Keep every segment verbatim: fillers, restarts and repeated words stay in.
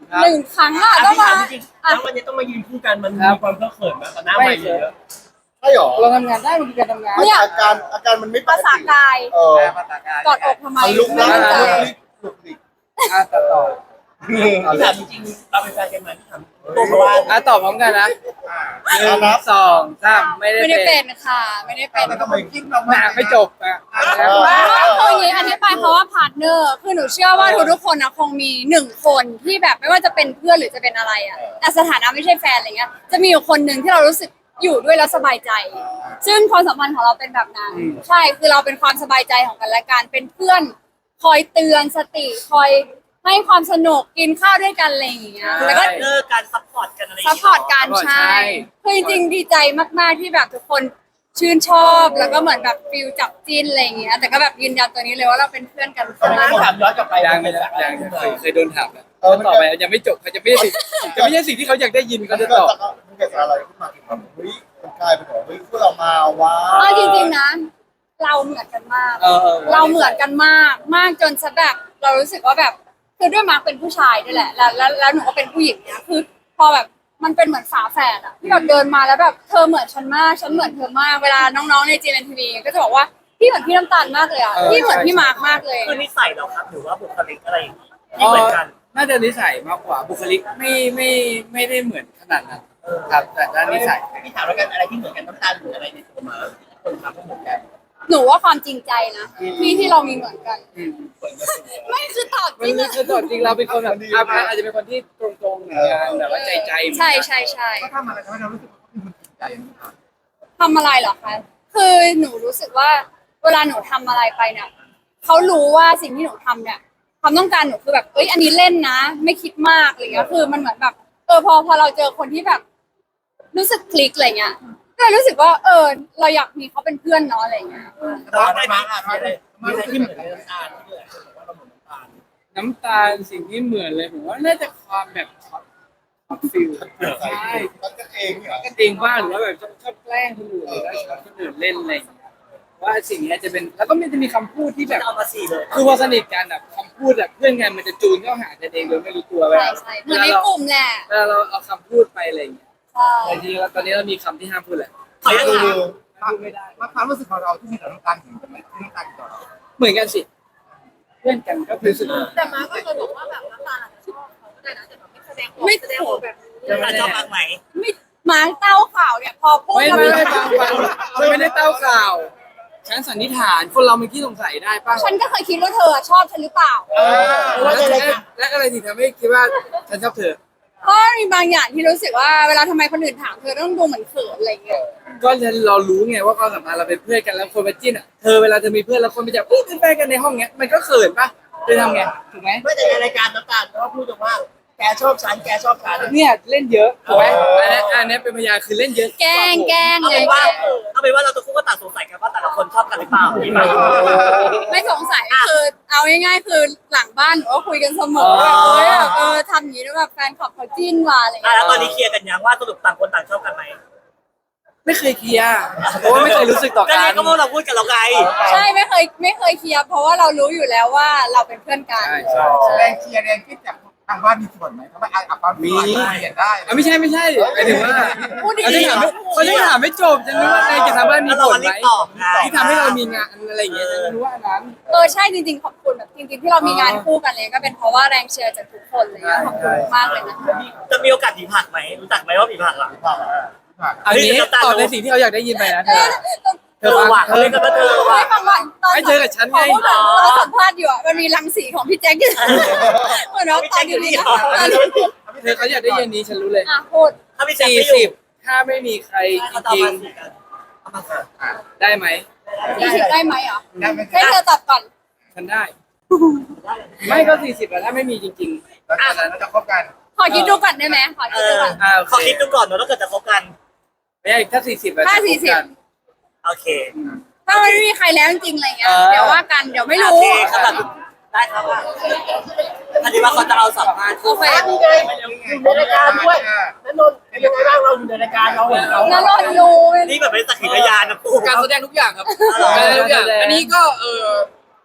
หนึ่งครั้งอะต้องมาจริงๆแล้ววันนี้ต้องมายืนคู่กันมันมีความเคอะเขินมากตอนหน้าไม่เยอะใช่หรอเราทำงานได้มันคือการทำงานไม่อาการอาการมันไม่ปภาก ษาติกายเออภาษากายกอดอกทำไมมันลุกไม่นั่งเข้าใจลุกลิกลุกลิกอ่ะต่อต่อพี่ถามจริงๆเราเป็นแฟนกันไหมพี่ถามตัวเพราะว่าอ่ะตอบพร้อมกันนะหนึ่งสองสามไม่ได้ไม่ได้เป็เป็น นค่ะ ไม่ได้เป็นแล้วทำไมคิดเราหนังไม่จบอ่ะว่าคืออย่างนี้อธิบายเพราะว่าพาร์ทเนอร์คือหนูเชื่อว่าทุกทุกๆคนนะคงมีหนึ่งคนที่แบบไม่ว่าจะเป็นเพื่อนหรือจะเป็นอะไรอ่ะแต่สถานะไม่ใช่แฟนอะไรเงี้ยจะมีอยู่คนหนึ่งที่เรารู้สึกอยู่ด้วยแล้วสบายใจ ซึ่งความสัมพันธ์ของเราเป็นแบบนั้นใช่คือเราเป็นความสบายใจของกันและกันเป็นเพื่อน คอยเตือนสติคอยให้ความสนุกกินข้าวด้วยกันอะไรอย่างเงี้ยแล้วก็เลิกการซัพพอร์ตกันอะไรซัพพอร์ตกันใช่คือจริงๆดีใจมากๆที่แบบทุกคนชื่นชอบแล้วก็เหมือนแบบฟิลจับจิ้นอะไรอย่างเงี้ยแต่ก็แบบยืนยันตัวนี้เลยว่าเราเป็นเพื่อนกันตอนนี้ต้องถามย้อนกลับไปยังไม่ได้ยังเคยเคยโดนถามแล้วเขาตอบไปยังไม่จบเขาจะไม่ได้จะไม่ใช่สิ่งที่เขาอยากได้ยินมัเขานจะเกิตดอบจากมันเกิดจากอะไรขึ้นมาถึงแบบเฮ้ยมันกลายเป็นแบบเฮ้ยพวกเรามาว้าเอาจริงๆนะเราเหมือนกันมากเออเราเหมือนกันมากมากจนซะแบบเรารู้สึกว่าแบบคือด้วยมาร์คเป็นผู้ชายด้วยแหละแล้วแล้วแล้วหนูก็เป็นผู้หญิงเนี่ยคือพอแบบมันเป็นเหมือนฝาแฝดอะที่แบบเดินมาแล้วแบบเธอเหมือนฉันมากฉันเหมือนเธอมากเวลาน้องๆในจีเอ็นทีวีก็จะบอกว่าพี่เหมือนพี่น้ำตาลมากเลยอะพี่เหมือนพี่มาร์คมากเลยคือนิสัยเราครับหรือว่าบุคลิกอะไรอย่างงี้ที่เหมือนกันน่าจะนิสัยมากกว่าบุคลิกไม่ไม่ไม่ได้เหมือนขนาดนั้นครับแต่ด้านนิสัยพี่ถามแล้วกันอะไรที่เหมือนกันน้ำตาลหรืออะไรในตัวมาคนทำก็เหมือนกันหนูว่าความจริงใจนะที่ที่เรามีเหมือนกันอืมไม่คือตอบจมันริงคืออะคือตัวจริงเราเป็นคนแบบอาพาอาจจะเป็นคนที่ตรงๆเหมือนกันแบบว่าใจใจเหมือนกันใช่ใช่ใช่ก็ทำอะไรทำให้เรารู้สึกว่ามันจริงใจอย่างนี้ครับทำอะไรเหรอคะคือหนูรู้สึกว่า เวลาหนูทำอะไรไปเนี่ยเขารู้ว่าสิ่งที่หนูทำเนี่ยความต้องการหนูคือแบบเอ้ยอันนี้เล่นนะ ไม่คิดมากอะไรเงี้ยคือมันเหมือนแบบเออพอพอเราเจอคนที่แบบ รู้สึกคลิกอะไรเงี้ยก็เลยรู้สึกว่า เออ เราอยากมีเขาเป็นเพื่อนเนาะอะไรเงี้ยแต่ว่าได้มามีอะไรมีอะไรที่เหมือนน้ำตาลที่เลยบอกว่าเราเหมือนน้ำตาลน้ำตาลสิ่งที่เหมือนเลยผมว่าน่าจะความแบบช็อตช็อตฟิลใช่มันก็เองเนี่ยก็จริงบ้างหรือว่าแบบชอบชอบแกล้งคนอื่นหรือว่าชอบคนอื่นเล่นอะไรอย่างเงี้ยว่าสิ่งนี้จะเป็นแล้วก็มันจะมีคำพูดที่แบบเอามาสี่เลยคือพอสนิทกันแบบคำพูดแบบเพื่อนกันมันจะจูนเข้าหากันเองโดยไม่รู้ตัวเวใช่ลาใช่เหมือนในกลุ่มแหละเวลาเราเอาคำพูดไปอะไรอย่างเงี้ยใช่แต่จริงๆแล้วตอนนี้เรามีคำที่ห้ามพูดแหละขออนุญาตถามพูดไม่ได้ว่าความรู้สึกของเราที่มีต่อน้ำตาลเหมือนกันไหมที่น้ำตาลต่อเราเหมือนกันสิเพื่อนกันก็รู้สึกแต่มาก็เคยบอกว่าแบบน้ำตาลอาจจะชอบเขาก็ได้นะแต่แบบไม่แสดงออกไม่แสดงออกแบบนี้น้ำตาลชอบมากไหมไม่มาเต้าข่าวเนี่ยพอพูดไม่แล้วไม่ไม่ฟังฟังไม่ได้เต้าข่าว ฉันสันนิษฐานคนเรามีที่สงสัยได้ป่ะฉันก็เคยคิดว่าเธอชอบฉันหรือเปล่าแล้วและอะไรที่ทำให้คิดว่าฉันชอบเธอเพราะมีบางอย่างที่รู้สึกว่าเวลาทำไมคนอื่นถามเธอต้องดูเหมือนเขินอะไรเงี้ยก็เรารู้ไงว่าความสัมพันธ์เราเป็นเพื่อนกันแล้วคนมาจิ้นอ่ะเธอเวลาเธอมีเพื่อนแล้วคนไปจับอุ้ยเป็นแฟนกันในห้องเนี้ยมันก็เขินป่ะเธอทำไงถูกไหมไม่แต่ในรายการน้ำตาลเขาพูดว่าแกชอบฉันแกชอบฉันเนี่ยเล่นเยอะถูกไหมอันนี้อันนี้เป็นพยานคือเล่นเยอะแกล้งแกล้งเอาเลเป็ยนว่าเอาเป็นว่าเราตัวคู่ก็ต่างสงสัยกันว่าแต่ละคนชอบกันหรือเปล่าที่มาไม่สงสัยคือเอาง่ายๆคือหลังบ้านหนูก็คุยกันเสมอว่าเอ้ยแบบเออทำอย่างนี้แล้วแบบแฟนคลับเขาจิ้นว่ะอะไรอ่ะเงี้ยแล้วตอนนี้เคลียร์กันยังว่าสรุปต่างคนต่างชอบกันไหมไม่เคยเคลียร์เพราะว่าไม่เคยรู้สึกต่อก็กันี่นก็พวกเราพูดกันแล้วไงใช่ไม่เคยไม่เคยเคลียร์เพราะว่าเรารู้อยู่แล้วว่าเราเป็นเพื่อนกันใช่ใช่ใช่แรงเชียร์แรงคิดจากทางบ้านมีส่วนไหมเพราะว่าอ่ะความมีเห็นได้อ่ะไม่ใช่ไม่ใช่หมายถึงว่าพูดดีเขาจะถามเขาจะถามไม่จบจะนึกว่าในกิจกรรมบ้านมีแล้วผเราลรีไหมบตอบไงที่ทำให้เรามีงานอะไรอย่างเงี้ยจะรู้ว่าอันนั้นเออใช่จริงๆขอบคุณแบบจริงๆที่เรามีงานคู่กันเลยก็เป็นเพราะว่าแรงเชียร์จากทุกคนเลยขอบคุณมากเลยนะคะจะมีโอกาสผีผักไหมรู้จักไหมว่าผีผักอ่ะอันนี้ตอบในสิ่งที่เขาอยากได้ยินไปนะเธอเธเธออฟังว่ะเธเขาอเรียกกันว่าเธอว่ะไม่ฟังก่อนตอนไม่เจอกับฉันไงขอพูดก่อนตอนสัมภาษณ์อยู่อ่ะมันมีรังสีของพี่แจ็คอยู่เหมือนว่าตอนอยู่นี่นะตอนนี้เธอเขาอยากได้ยินนี้ฉันรู้เลยอ่ะพูดถ้าพี่แจ็คสี่ไม่อสิยู่บถ้าไม่มีใครจเขาจะเอาริงมาสี่กันเอามาสี่ๆได้ไหมสี่สิบได้ไหมอ่ะได้ไหมให้เธอตอบก่อนฉันได้ ไม่ก็สี่สิบแล้วถ้าไม่มีจริงแล้วจากนั้นเราจะคบกันขอคิดดูก่อนได้ไหมขอเอคิดดูอก่อนๆอ่าขอคิดดูก่อนเนอะถ้าเกิดจะคบกันไม่ใช่ถ้าสี่สิบถ้าสี่สิบโอเคถ้ามันไม่มีใครแล้วจริงๆอะไรเงี้ยเออเดี๋ยวว่ากันเดี๋ยวไม่โอรู้เคครับแบบได้ครับว่าอันนี้ว่าเขาจะเอาสัมภาษณ์โอเคนี่ไงอยู่ในรายการด้วยนั่นนนท์ยังไงบ้างเราอยู่ในรายการเราเราแล้วรอรู้นี่แบบเป็นสักขีพยานนะปู่การแสดงทุกอย่างครับการแสดงทุกอย่างอันนี้ก็เออ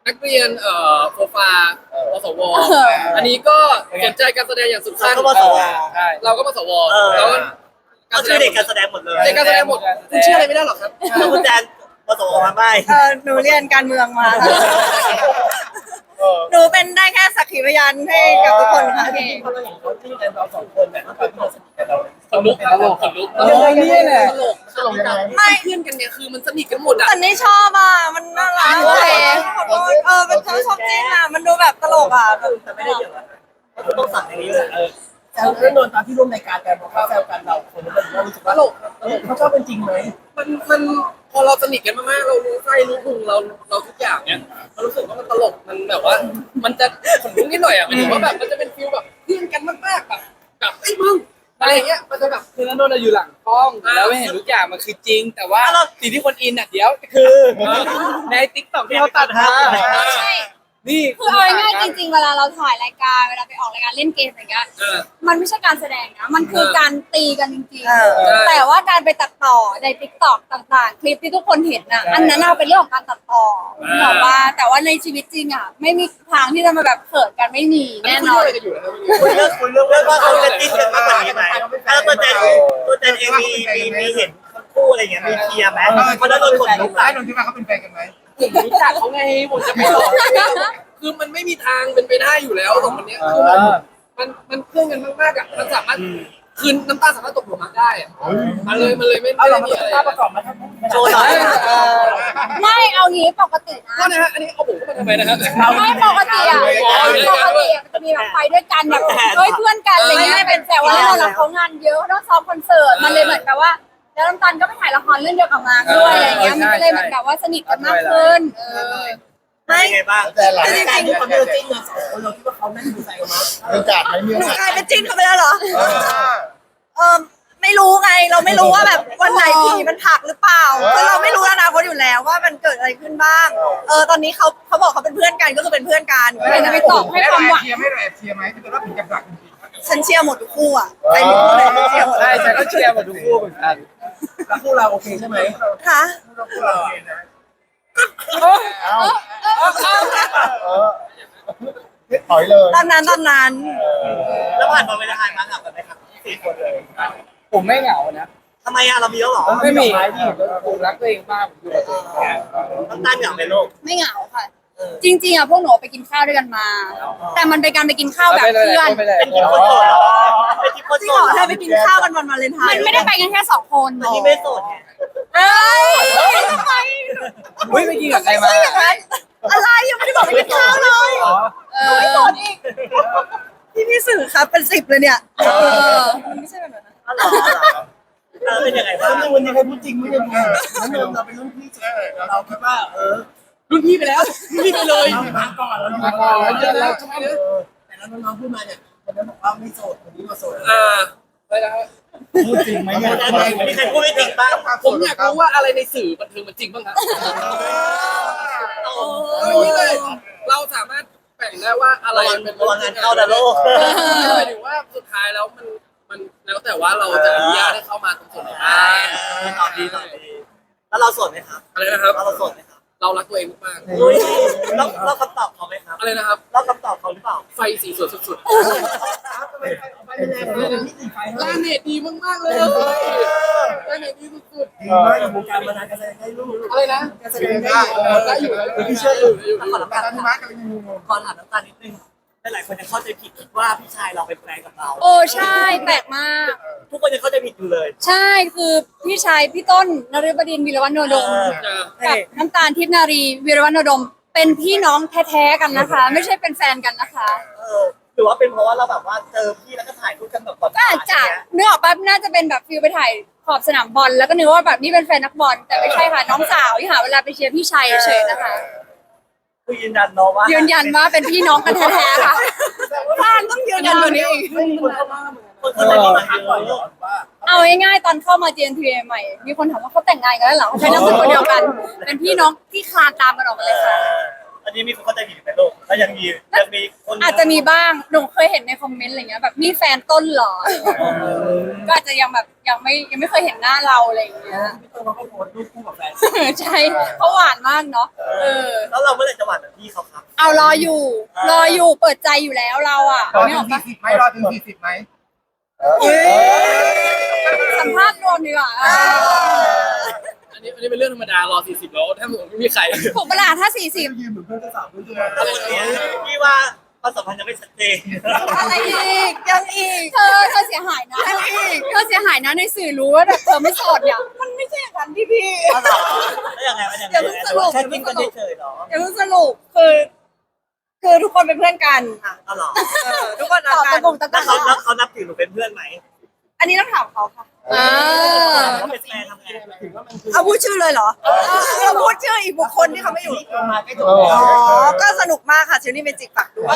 นักเรียนเอ่อโปรฟาปสวอันนี้ก็สนใจการแสดงอย่างสุดขั้นก็มาสวใช่เราก็มาสวเออแล้วก็ก็ชื่อเด็กการแสดงหมดเลยเด็กการแสดงหมดคุณเชื่ออะไรไม่ได้หรอกครับแล้วคุณแจนมาสวมาไม่เออหนูเรียนการเมืองมาหนูเป็นได้แค่สักขีพยานให้กับทุกคนค่ะจริงๆพอเราเห็นเขาจิ้นกันเราสองคนเนี่ยตอนที่เราสนิทกันเราขนลุกตลกขนลุกเออนี่แหละตลกตลกยังไงไม่เพื่อนกันเนี่ยคือมันสนิทกันหมดอ่ะแต่นี่ชอบอ่ะมันน่ารักเลยขอโทษเออเป็นชอบชอบจริงอ่ะมันดูแบบตลกอ่ะแบบแต่ไม่ได้เยอะก็คือต้องสั่งอย่างนี้เลยแซวแล้วนนท์ตอนที่ร่วมรายการกันบอกว่าแซวกันเราคนเรารู้สึกว่าตลกเขาชอบเป็นจริงไหมมันมันพอเราสนิทกันมากๆเรารู้ไส้รู้พุงเราเราทุกอย่างเนี่ยเรารู้สึกว่ามันตลกมันแบบว่า มันจะขนลุกนิดหน่อยอ่ะมันถือว่าแบบมันจะเป็นฟิลแบบเพื่อนกันมากๆแบบแบบไอ้ยมึงอะไรอย่างเงี้ยมันจะแบบคือนันนนท์อยู่หลังกล้องแล้วไม่เห็นทุกอย่างมันคือจริง แต่ว่าสิ่งที่คนอินอ่ะเดี๋ยวคือในติ๊กต็อกที่เขาตัดมาใช่นี่คือเอาง่ายๆจริงๆเวลาเราถ่ายรายการเวลาไปออกรายการเล่นเกมอย่างเงี้ยเออมันไม่ใช่การแสดงนะมันคือการตีกันจริงเออๆแต่ว่าการไปตัดต่อในติ๊กต็อกต่างๆ คลิปที่ทุกคนเห็นน่ะอันนั้นเอาเป็นเรื่องของการตัดต่อแบบว่าแต่ว่าในชีวิตจริงอ่ะไม่มีทางที่จะมาแบบเขินกันไม่มีแน่นอนอะไรกันอยู่นะครับคุยเรื่องคุยเรื่องว่าเขาจะจิ้นกันมากกว่านี้ไหมแล้วตัวแจนตัวแจนเองมีมีมีเห็นคู่อะไรอย่างเงี้ยมีเคลียร์ไหมเพราะนั้นโดนขนลุกได้อะนนท์คิดว่าเขาเป็นแฟนกันไหมผมรู้จักเขาไงผมจะไปหลอกคือมันไม่มีทางเป็นไปได้อยู่แล้วสองคนเนี้ยคือมันมันมันเพื่อนกันมากๆอ่ะมันสามารถคืนน้ำตาสามารถตกหลุมรักได้อ่ะมันเลยมันเลยไม่เอาไม่เราได้มามีอะไรภาพประกอบมาทั้งโชว์หน่อยไม่เอางี้ปกตินะก็นะฮะอันนี้เอาผมเข้ามาทำไมนะครับไม่ปกติอ่ะปกติอะมันจะมีแบบไปด้วยกันแบบเฮ้ยเพื่อนกันอะไรเงี้ยเป็นแต่ว่าเราเราเขางานเยอะเขาต้องซ้อมคอนเสิร์ตมันเลยเหมือนแบบว่า แล้วน้ำตาลก็ไปถ่ายละครเรื่องเดียวกับมาร์คด้วยอะไรเงี้ยมันก็เลยเหมือนแบบว่าสนิทกันมากขึ้นเออเป็นยังไงบ้างแต่หลังจริงๆคนเดินจิ้นกันสองคนเราคิดว่าเขานั่นดูใจกันมั้ยมีโอกาสไหมมีโอกาสกลายเป็นจิ้นเขาไปแล้วเหรอเออเออไม่รู้ไงเราไม่รู้ว่าแบบวันไหนผีมันผลักหรือเปล่าคือเราไม่รู้อนาคตอยู่แล้วว่ามันเกิดอะไรขึ้นบ้าง เออตอนนี้เขาเขาบอกเขาเป็นเพื่อนกันก็คือเป็นเพื่อนกันไม่ได้ไปตอบให้ความหวังเชียร์ไม่แอบเชียร์ไหมถ้าเกิดว่าผีกับหลักจริงฉันเชียร์หมดทุกคู่อ่ะใครมีคู่ไหนฉันเชียร์หมดใช่ฉันก็เชียร์หมดทุกคู่เหมือนกันแล้วคู่เราโอเคใช่ไหมค่ะๆเราเราเอาเออถอยเลยตอนนั้นตอนนั้นแล้วผ่านมาเวลาทานมาหักกันไหมครับสี่คนเลยผมไม่เหงานะทำไมอะเรามีแล้วหรอไม่มีผมรักตัวเองมากผมอยู่กับตัวเองน้ำตาลเหงาในโลกไม่เหงาค่ะ จริงๆอ่ะพวกหนูไปกินข้าวด้วยกันมา แต่มันเป็นการไปกินข้าวแบบไปเลยเพื่อนไปเลยเป็นทีมคนโสดเหรอเป็นทีมคนจริโสงเหรดอเหรให้อไปกินข้าวกันวันวาเลนไทมันน์ไม่ได้ไปกันแค่สองคนอันนี้ไม่โสดไงเอ้ยทำไมเฮ้ยไปกินกับใครมาไม่ใช่อย่างนั้นอะไรยังไม่ได้บอกไปกินข้าวเลยเออไม่สนอีกพี่พี่สื่อครับเป็นสิบเลยเนี่ยเออมันไม่ใช่แบบนั้นนะอ๋อเหรอเออเป็นยังไงบ้างแล้ววันนี้ใครพูดจริงไม่ได้พูดแล้วนนท์เราเป็นรุ่นพี่เราคิดว่าเออรุ่นพี่ไปแล้วรุ่นพี่ไปเลยเรามาก่อนเรามาก่อนแล้วเจอแล้วแต่แล้วน้องๆพูดมาเนี่ยคนนั้นบอกว่าไม่โสดคนนี้มาโสดอ่าไปแล้วพูดจริงไหมเนี่ยมีใครพูดไม่จริงบ้างผมอยากรู้ว่าอะไรในสื่อบันเทิงมันจริงบ้างครับเอาอย่างนี้เลยเราสามารถแบ่งได้ว่าอะไรเป็นระวังงานเข้าดาโลกหมายถึงว่าสุดท้ายแล้วมันมันแล้วแต่ว่าเราจะอนุญาตให้เข้ามาตรงส่วนไหนบ้างตอบดีตอบดีแล้วเราโสดไหมครับอะไรนะครับแล้วเราโสดไหมครับเรารักตัวเองมากอุ้ยเราเราคำตอบเขาไหมครับๆอะไรนะครับเราคำตอบเขาหรือเปล่าไฟสีสวยสุดทำไมใครออกไปไม่ได้เลยที่ตีไฟๆให้ลาเนตดีมากๆเลยลาเนตดีสุดดีมากอยู่วงการมานานการแสดงได้ลูกๆอะไรนะการแสดงได้ได้อยู่แล้วพี่เชื่ออยู่ขอน้ำตาตาลที่มาร์กกำลังงงขอถามน้ำตาลนิดนึงหลายคนยังเข้าใจผิดคิดว่าพี่ชายเราเป็นแฟนกับเราโอ้ใช่แปลกมากทุกคนยังเข้าใจผิดอยู่เลยใช่คือพี่ชายพี่ต้นนฤบดินทร์วีรวัฒโนดมเออกับน้ำตาลทิพย์นารีวีรวัฒโนดม เป็นพี่น้องแท้ๆกันนะคะ ไม่ใช่เป็นแฟนกันนะคะเออหรือว่าเป็นเพราะว่าเราแบบว่าเจอพี่แล้วก็ถ่ายรูปกันแบบก่อนก็อาจจะเนื้อออกปั๊บน่าจะเป็นแบบฟิลไปถ่ายขอบสนามบอลแล้วก็นึกว่าแบบนี่เป็นแฟนนักบอลแต่ไม่ใช่ค่ะน้องสาวที่หาเวลาไปเชียร์พี่ชัยเฉยๆนะคะคือยืนยันเนาะว่ายืนยันว่าเป็นพี่น้องกันแท้ๆค่ะบ้านต้องยืนยันตัวนี้อีกไม่มีคนเข้ามาคนเข้าใจผิดมาทักเยก่อนอะว่าเอาง่ายๆตอนเข้ามา จี เอ็น ที ใหม่มีคนถามว่าเขาแต่งงานกันแล้วเหรอเขาใช้นามสกุลเดียวกัน เป็นพี่น้องที่คลานตามกันออกมาเลยค่ะแอันนี้มีคนเข้าใจผิดไหมลูกแล้วยังมียังมีคนอาจจะมีบ้างหนูเคยเห็นในคอมเมนต์อะไรเงี้ยแบบนี่แฟนต้นเหรอก็อาจจะยังแบบยังไม่ยังไม่เคยเห็นหน้าเราอะไรอย่างเงี้ยพี่ต้นเขาก็โพสต์รูปคู่กับแฟนใช่เขาหวานมากเนาะเออแล้วเราเมื่อไหร่จะหวานแบบพี่เขาครับเอารออยู่ รออยู่เปิดใจอยู่แล้วเราอ่ะรอไม่ถึออง กปะสี่สิบไหมรอถึงสี่สิบไหมสัมภาษณ์รวมดีกว่าอันนี้อันนี้เป็นเรื่องธรรมดารอสี่สิบแล้วถ้าผมไม่มีใครถูกเวลาถ้าสี่สิบยืนเหมือนเพื่อนจะสาวเพื่อนจะตอนนี้พี่ว่าความสัมพันธ์ยังไม่ชัดเจนอะไรอีกยังอีกเธอเธอเสียหายนะเธอเสียหายนะในสื่อรู้ว่าแบบเธอไม่โสดเนี่ยมันไม่ใช่อย่างนั้นพี่พี่แล้วยังไงมันยังไงแค่กินกันเฉยๆหรออย่าเพิ่งสรุปคือ คือทุกคนเป็นเพื่อนกันค่ะอ๋อเหรอเออทุกคนต่รัอกกัตะนกงตะกแล้วงเขาแล้วเขานับถือหนูเป็นเพื่อนไหมอันนี้ต้องถามเขาค่ะอ่าเขาเป็นแฟนทำไงถือว่ามันคือเอาพูดชื่อเลยเหรอเราพูดชื่ออีกบุคคลที่เขาไม่อยู่ลงมาใกล้จบอ๋อ ก็สนุกมากค่ะชิลลี่เมจิกฝากด้วย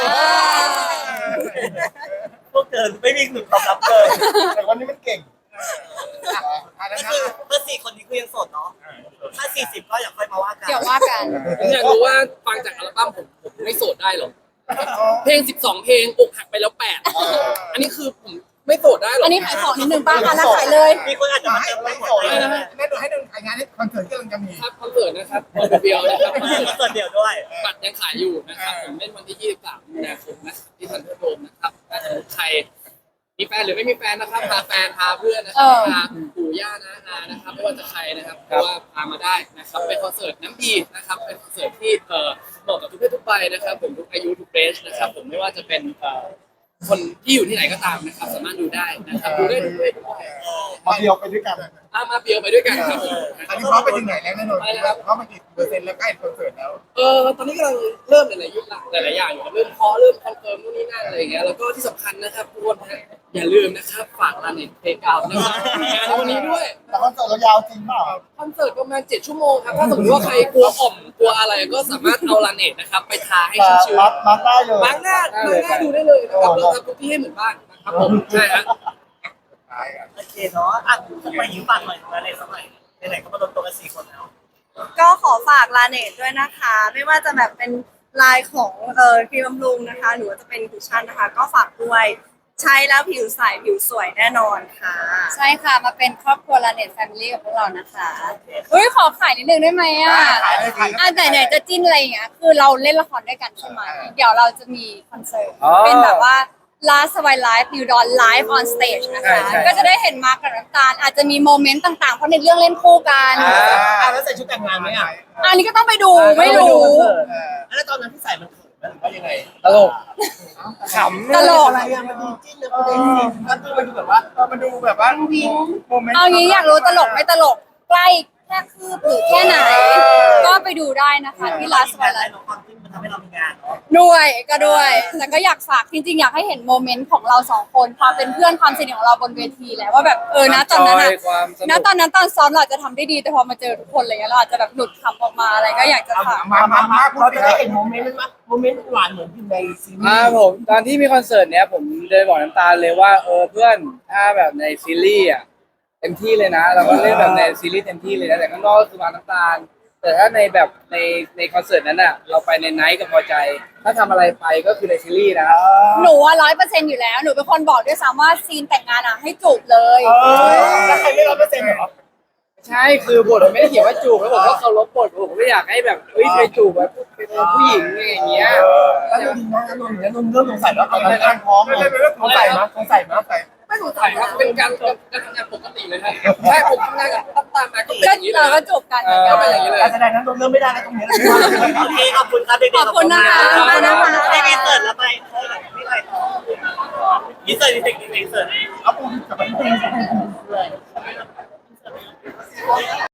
พวกเธอไม่มีหนึ่งตอบรับเลยแต่วันนี้มันเก่งก็คือเพื่อสี่คนนี้คือยังโสดเนาะถ้าสี่สิบก็อย่าค่อยมาว่ากันเดี๋ยวว่ากันผมอยากรู้ว่าฟังจากอัลบั้มผมผมไม่โสดได้หรอ เพลงสิบสองเพลงอกหักไปแล้วแปดอันนี้คือผมไม่โสดได้หรออัอันนี้ขายของนิดนึงป้าค่ะแล้วขายเลยมีคนอาจจะมาเติมไม่หมดเลยนะแม่ดูให้ดูถ่ายงานให้คอนเสิร์ตที่กำลังจะมีครับคอนเสิร์ตนะครับคอนเสิร์ตเดียวนะครับคอนเสิร์ตเดี่ยวด้วยบัตรยังขายอยู่นะครับผมเล่นวันที่ยี่สิบสามมีนาคมนะที่ทันเดอร์โดมนะครับถ้าสมมติใครมีแฟนหรือไม่มีแฟนนะครับพาแฟนพาเพื่อนนะครับเออพาปู่ย่านะอานะครับไม่ว่าจะใครนะครับเพราะว่าพามาได้นะครับเป็นคอนเสิร์ตน้ำดีนะครับเป็นคอนเสิร์ตที่เอ่อเหมาะกับทุกเพศทุกวัยนะครับผมทุกอายุทุกเรสนะครับผมไม่ว่าจะเป็นเอ่อคนที่อยู่ที่ไหนก็ตามนะครับสามารถดูได้นะครับดูได้ทุกเพศทุกวัยมาเดียวไปด้วยกันอ่ะมาเปียวไปด้วยกันครับผมอันนี้พร้อมไปถึงไหนแล้วแน่นอนพร้อมไปกี่เปอร์เซ็นต์แล้วใกล้คอนเสิร์ตแล้วเออตอนนี้กำลังเริ่มหลายๆยุคละหลายๆอย่างอยู่ครับเริ่มเคาะเริ่มคอนเฟิร์มนู่นนี่นั่นอะไรอย่างเงี้ยแล้วก็ที่สำคัญนะครับทุกคนนะอย่าลืมนะครับฝากร้านเน็ตเพกเอานะครับงานวันนี้ด้วยแต่คอนเสิร์ตเรายาวจริงเปล่าคอนเสิร์ตประมาณเจ็ดชั่วโมงครับถ้าสมมติว่าใครกลัวอ่อมกลัวอะไรก็สามารถเอาลาเน็ตนะครับไปทาให้ชื้นมามาได้เลยๆบางหน้าบางหน้าดูได้เลยนะครับเราทำทุกที่ให้เหมือนบ้านนะครับผมใช่ฮะโอเคเนาะอ่ะทำไมหิวปากหน่อยมาเลยสักหน่อยไหนๆก็มาลงตัวกันสี่คนแล้วก็ขอฝากลาเนตด้วยนะคะ ไม่ว่าจะแบบเป็นลายของเอ่อครีมบำรุงนะคะ หรือว่าจะเป็นคุชชั่นนะคะ ก็ฝากด้วยใช้แล้วผิวใสผิวสวยแน่นอนค่ะใช่ค่ะมาเป็นครอบครัวลาเน็ตแฟมิลี่กับพวกเรานะคะเฮ้ยขอขายนิดนึงได้ไหมอ่ะขายเลยขายอ่ะไหนๆจะจิ้นอะไรอย่างเงี้ยคือเราเล่นละครด้วยกันใช่ไหมเดี๋ยวเราจะมีคอนเสิร์ตเป็นแบบว่า Last Survive Live New Dawn Live on Stage นะคะก็จะได้เห็นมาร์คกับน้ำตาลอาจจะมีโมเมนต์ต่างๆ เพราะในเรื่องเล่นคู่กันอ่าแล้วใส่ชุดแต่งงานไหมอ่ะอันนี้ก็ต้องไปดูไม่รู้แล้วตอนนั้นที่ใส่มันเขินไหมหรือว่ายังไงตลกขำตลกอะไรอ่ะมันดูจิ้นแล้วมันดูซีนมันดูมันดูแบบว่าเออมันดูแบบว่าวิงโมเมนต์เอางี้อยากรู้ตลกไม่ตลกใกล้แค่คืบหรือแค่ไหน ก็ไปดูได้นะคะที่ Last ไล Survive ฟ์ Live ของความจริงมันทำให้เรามีงานเนาะด้วยก็ด้วยแต่ก็อยากฝากจริงๆอยากให้เห็นโมเมนต์ของเราสองคนความเป็นเพื่อนความสนิทของเราบนเวทีแหละว่าแบบเออนะตอนนั้นอะความสณนุกตอนนั้นตอนซ้อมเราอาจจะทำได้ดีแต่พอมาเจอทุกคนอะไรเงี้ยเราอาจจะแบบหลุดคำออกมาอะไรก็อยากจะฝากมามามาเราจะได้เห็นโมเมนต์นั้นมั้ยโมเมนต์หวานเหมือนอยู่ในซีรีอ่าส์ผมตอนที่มีคอนเสิร์ตเนี้ยผมเดินบอกน้ำตาลเลยว่าเออเพื่อนถ้าแบบในซีรีส์อ่ะเต็มที่เลยนะเราก็เล่นแบบในซีรีส์เต็มที่เลยนะแต่ข้างนอกก็คือมาน้ำตาล แต่ถ้าในแบบในในคอนเสิร์ตนั้นอ่ะเราไปในไนท์กับพอใจ ถ้าทำอะไรไปก็คือในซีรีส์นะหนูว่าร้อยเปอร์เซ็นต์อยู่แล้วหนูเป็นคนบอกด้วยซ้ำว่าซีนแต่งงานอ่ะให้จูบเลยแล้วใครไม่ร้อยเปอร์เซ็นต์เหรอใช่คือบทมันไม่ได้เขียนว่าจูบแล้วผมก็เคารพบทผมไม่อยากให้แบบเฮ้ยไปจูบแบบเป็นผู้หญิงอย่างเงี้ยแล้วจริงๆนะนนท์เนี่ยนนท์เริ่มสงสัยแล้วตอนนั้นการพร้อมเลยสงสัยมั้ยสงสัยมั้ยใส่ไม่สงสัยครับเป็นการการทำงานปกติเลยครับใช่ผมทำงานกับตั้มตามมาก็เป็นก็อย่างนี้เลเรายก็จูบกันก็เป็นอย่างนี้เลยการแสดงนั้นนนท์เริ่มไม่ได้แล้วตรงนี้โอเคขอบคุณครับเด็กๆขอบคุณนะคะขอบคุณนะคะได้มีเสิร์ตแล้วไปเท่าไหร่ไม่ไรต่อมีเสิร์ตมีเทคนิคมีเสิร์ตเอาปูกับไป